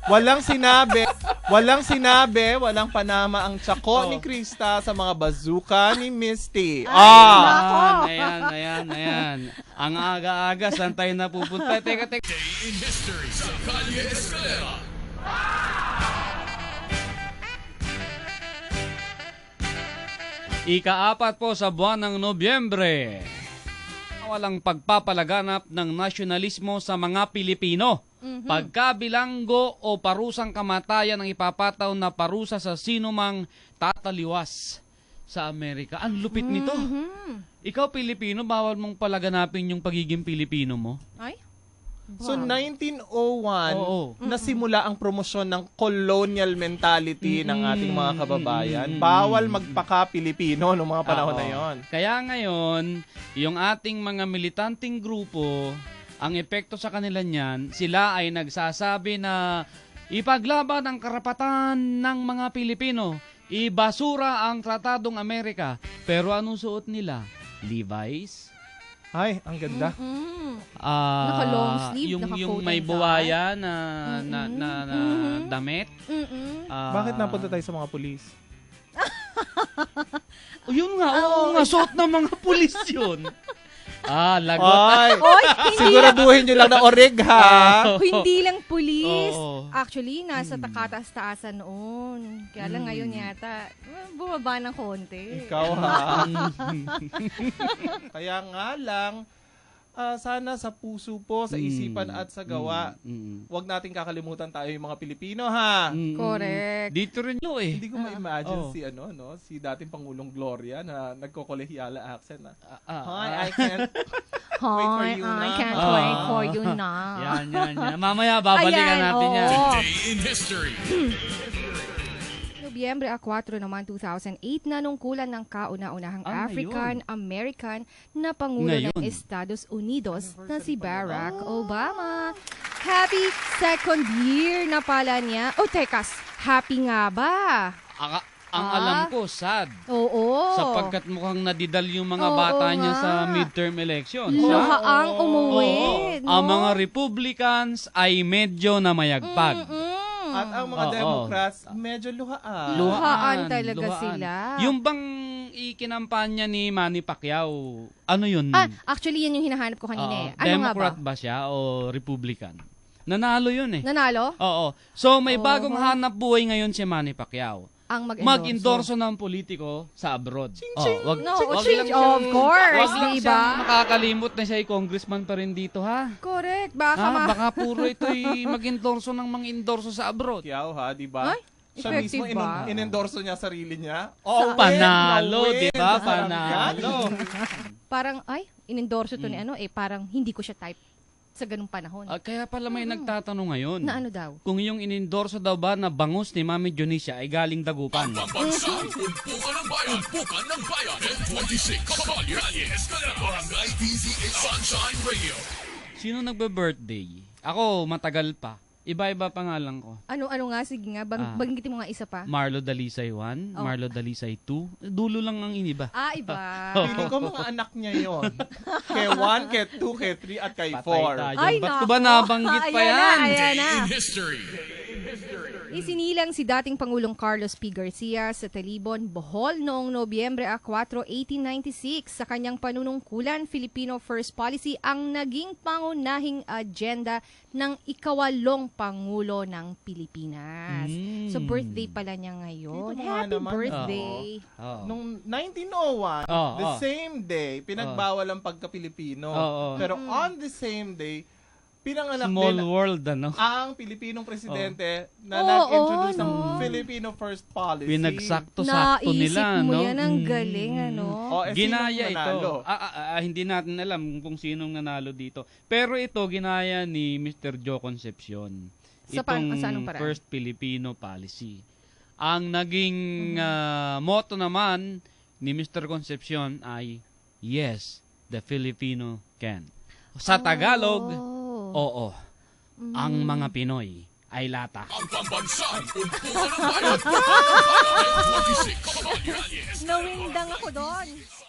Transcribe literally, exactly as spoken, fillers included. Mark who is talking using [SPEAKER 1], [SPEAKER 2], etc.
[SPEAKER 1] Walang sinabi, walang sinabi, walang panama ang tsako
[SPEAKER 2] Oh.
[SPEAKER 1] ni Krista sa mga bazooka ni Misty.
[SPEAKER 3] Ay,
[SPEAKER 1] Ah!
[SPEAKER 3] nako.
[SPEAKER 2] Ayan, ayan, ayan. Ang aga-aga, saan tayo napupunta? Teka, teka.
[SPEAKER 4] Day in History sa Kalye Escalera.
[SPEAKER 2] Ikaapat po sa buwan ng Nobyembre. Walang pagpapalaganap ng nasyonalismo sa mga Pilipino. Pagkabilanggo o parusang kamatayan ang ipapataw na parusa sa sinumang tataliwas sa Amerika. Ang lupit nito. Ikaw Pilipino, bawal mong palaganapin yung pagiging Pilipino mo.
[SPEAKER 3] Ay?
[SPEAKER 1] So nineteen oh one,
[SPEAKER 2] Oo.
[SPEAKER 1] nasimula ang promosyon ng colonial mentality ng ating mga kababayan.
[SPEAKER 2] Mm-mm.
[SPEAKER 1] Bawal magpaka-Pilipino noong mga panahon
[SPEAKER 2] Oo.
[SPEAKER 1] na yon.
[SPEAKER 2] Kaya ngayon, yung ating mga militanting grupo, ang epekto sa kanila niyan, sila ay nagsasabi na ipaglaban ang karapatan ng mga Pilipino, ibasura ang Tratadong Amerika. Pero anong suot nila? Levi's?
[SPEAKER 1] Ay, ang ganda.
[SPEAKER 3] Mm.
[SPEAKER 2] Ah,
[SPEAKER 3] Naka-long sleeve,
[SPEAKER 2] yung,
[SPEAKER 3] naka-coat
[SPEAKER 2] yung may
[SPEAKER 3] and tie.
[SPEAKER 2] buwaya na, na, na, na
[SPEAKER 3] Mhm.
[SPEAKER 2] damit.
[SPEAKER 3] Mm-mm.
[SPEAKER 2] Ah,
[SPEAKER 1] Bakit napunta tayo sa mga pulis?
[SPEAKER 2] Oh, yun nga, oo nga, suot ng mga pulis yun. Ah, lagot.
[SPEAKER 1] Ay,
[SPEAKER 3] Oy, hindi
[SPEAKER 1] siguraduhin nyo lang na orig ha.
[SPEAKER 3] lang, hindi lang pulis.
[SPEAKER 2] Oo.
[SPEAKER 3] Actually, nasa
[SPEAKER 2] Hmm.
[SPEAKER 3] takataas-taasan noon. Kaya lang
[SPEAKER 2] Hmm.
[SPEAKER 3] ngayon yata, eh, bumaba ng konti.
[SPEAKER 1] Ikaw ha. Kaya nga lang, ah, sana sa puso po, sa isipan at sa gawa,
[SPEAKER 2] Mm, mm,
[SPEAKER 1] huwag nating kakalimutan tayo yung mga Pilipino ha.
[SPEAKER 2] mm, mm.
[SPEAKER 3] Correct.
[SPEAKER 2] Dito rin yun eh.
[SPEAKER 1] Hindi ko ma-imagine
[SPEAKER 2] Oh.
[SPEAKER 1] si ano no, si dating Pangulong Gloria na nagkokolehiyala accent na.
[SPEAKER 2] Ah, ah,
[SPEAKER 1] Hi,
[SPEAKER 2] ah.
[SPEAKER 1] I can't wait for
[SPEAKER 3] Hi,
[SPEAKER 1] you
[SPEAKER 3] I
[SPEAKER 1] na.
[SPEAKER 3] can't
[SPEAKER 2] Ah.
[SPEAKER 3] wait for you na.
[SPEAKER 2] Yan, yan, yan. Mamaya, babalikan
[SPEAKER 3] Ayan,
[SPEAKER 2] natin yan.
[SPEAKER 3] oo.
[SPEAKER 4] Day in History.
[SPEAKER 3] Nobyembre four naman two thousand eight, nanungkulan ng kauna-unahang
[SPEAKER 2] Ah,
[SPEAKER 3] African-American na Pangulo
[SPEAKER 2] Ngayon.
[SPEAKER 3] ng Estados Unidos na si Barack Obama. Happy second year na pala niya. Oh, tekas, happy nga ba?
[SPEAKER 2] Ang, ang
[SPEAKER 3] Ah.
[SPEAKER 2] alam ko, sad.
[SPEAKER 3] Oo.
[SPEAKER 2] Sapagkat mukhang nadidal yung mga
[SPEAKER 3] Oo
[SPEAKER 2] bata niya
[SPEAKER 3] nga.
[SPEAKER 2] sa midterm election.
[SPEAKER 3] Luhaang
[SPEAKER 1] Oo.
[SPEAKER 3] umuwi.
[SPEAKER 2] Oo.
[SPEAKER 3] no?
[SPEAKER 2] Ang mga Republicans ay medyo namayagpag.
[SPEAKER 3] Mm-mm.
[SPEAKER 1] At ang mga
[SPEAKER 2] Oo.
[SPEAKER 1] Democrats, medyo luhaan.
[SPEAKER 3] Luhaan talaga sila.
[SPEAKER 2] Yung bang ikinampanya ni Manny Pacquiao, ano yun?
[SPEAKER 3] Ah, actually, yan yung hinahanap ko kanina
[SPEAKER 2] Oo.
[SPEAKER 3] eh. Ano nga ba?
[SPEAKER 2] Democrat ba siya o Republican? Nanalo yun eh.
[SPEAKER 3] Nanalo?
[SPEAKER 2] Oo. So may
[SPEAKER 3] Oo.
[SPEAKER 2] bagong hanap buhay ngayon si Manny Pacquiao.
[SPEAKER 3] Ang mag-endorso.
[SPEAKER 2] Mag-endorso ng politiko sa abroad. Oh, wag,
[SPEAKER 3] No,
[SPEAKER 2] wag
[SPEAKER 3] ching,
[SPEAKER 2] lang siyang-
[SPEAKER 3] of course,
[SPEAKER 2] wag lang
[SPEAKER 3] diba?
[SPEAKER 2] siyang makakalimot na siya ay congressman pa rin dito, ha?
[SPEAKER 3] Correct. Baka
[SPEAKER 2] Ha?
[SPEAKER 3] ma...
[SPEAKER 2] Baka puro ito'y mag-endorso ng mga endorso sa abroad.
[SPEAKER 1] Kiyaw ha, di ba?
[SPEAKER 3] Ay,
[SPEAKER 1] Siya
[SPEAKER 3] effective
[SPEAKER 1] mismo
[SPEAKER 3] ba?
[SPEAKER 1] in- in-endorso niya sarili niya.
[SPEAKER 3] Sa-
[SPEAKER 1] Oh,
[SPEAKER 2] Panalo,
[SPEAKER 1] win,
[SPEAKER 2] di ba?
[SPEAKER 1] win.
[SPEAKER 2] Panalo.
[SPEAKER 3] Parang, ay, in-endorso to
[SPEAKER 2] Hmm.
[SPEAKER 3] ni ano, eh, parang hindi ko siya type sa ganung panahon.
[SPEAKER 2] Ah, kaya pala may nagtatanong ngayon.
[SPEAKER 3] na ano daw?
[SPEAKER 2] Kung yung in-endorso daw ba na bangus ni Mami Dionisia ay galing dagupan.
[SPEAKER 4] Pambansa, umpukan ng bayan, umpukan ng bayan. N twenty-six, Kalye Escalera, Barangay D Z H Sunshine Radio.
[SPEAKER 2] Sino nagbe-birthday? Ako, matagal pa. Iba-iba pangalan ko.
[SPEAKER 3] Ano-ano nga, sige nga, bang,
[SPEAKER 2] Ah.
[SPEAKER 3] banggitin mo nga isa pa.
[SPEAKER 2] Marlo Dalisay one,
[SPEAKER 3] Oh.
[SPEAKER 2] Marlo Dalisay two. Dulo lang ang iniba.
[SPEAKER 3] Ah, iba.
[SPEAKER 1] Pili ko mga anak niya yon. Kay one, kay two, kay three, at kay
[SPEAKER 2] Patay
[SPEAKER 1] four.
[SPEAKER 2] tayo.
[SPEAKER 3] Ay,
[SPEAKER 2] Ba't ko
[SPEAKER 3] nako.
[SPEAKER 2] ba nabanggit pa
[SPEAKER 3] Ayan
[SPEAKER 2] yan?
[SPEAKER 3] na, ayan
[SPEAKER 4] Day
[SPEAKER 3] na.
[SPEAKER 4] in History.
[SPEAKER 3] Isinilang si dating Pangulong Carlos P. Garcia sa Talibon, Bohol noong Nobyembre four, eighteen ninety-six. Sa kanyang panunungkulan, Filipino First Policy ang naging pangunahing agenda ng ikawalong Pangulo ng Pilipinas.
[SPEAKER 2] Mm.
[SPEAKER 3] So birthday pala niya ngayon.
[SPEAKER 1] Dito nga
[SPEAKER 3] Happy
[SPEAKER 1] naman.
[SPEAKER 3] birthday.
[SPEAKER 2] Oo.
[SPEAKER 1] Nung nineteen oh one,
[SPEAKER 2] Oh,
[SPEAKER 1] the
[SPEAKER 2] oh.
[SPEAKER 1] same day, pinagbawal ang pagka-Pilipino.
[SPEAKER 2] Oh, oh.
[SPEAKER 1] Pero on the same day, pinanganak
[SPEAKER 2] Small
[SPEAKER 1] din
[SPEAKER 2] world, ano?
[SPEAKER 1] ang Pilipinong presidente na
[SPEAKER 3] Oo,
[SPEAKER 1] nag-introduce
[SPEAKER 3] oo,
[SPEAKER 1] ng
[SPEAKER 3] no.
[SPEAKER 1] Filipino First Policy.
[SPEAKER 2] Pinagsakto-sakto
[SPEAKER 3] Naisip
[SPEAKER 2] nila,
[SPEAKER 3] mo
[SPEAKER 2] no?
[SPEAKER 3] yan, ang
[SPEAKER 2] Mm.
[SPEAKER 3] galing, ano?
[SPEAKER 1] Oh, eh,
[SPEAKER 2] Ginaya
[SPEAKER 1] sinong
[SPEAKER 2] ito.
[SPEAKER 1] nanalo?
[SPEAKER 2] Ah, ah, ah, hindi natin alam kung sinong nanalo dito. Pero ito, ginaya ni Mister Joe Concepcion.
[SPEAKER 3] Sa pa-
[SPEAKER 2] Itong
[SPEAKER 3] sa anong paraan?
[SPEAKER 2] First Filipino Policy. Ang naging ah, motto naman ni Mister Concepcion ay, yes, the Filipino can. Sa Tagalog,
[SPEAKER 3] Oh.
[SPEAKER 2] oo, ang mga Pinoy ay lata.
[SPEAKER 4] Ang pambansa, umpukan ng bayan. N twenty-six, Kalye Escalera.
[SPEAKER 3] Nawindang ako doon.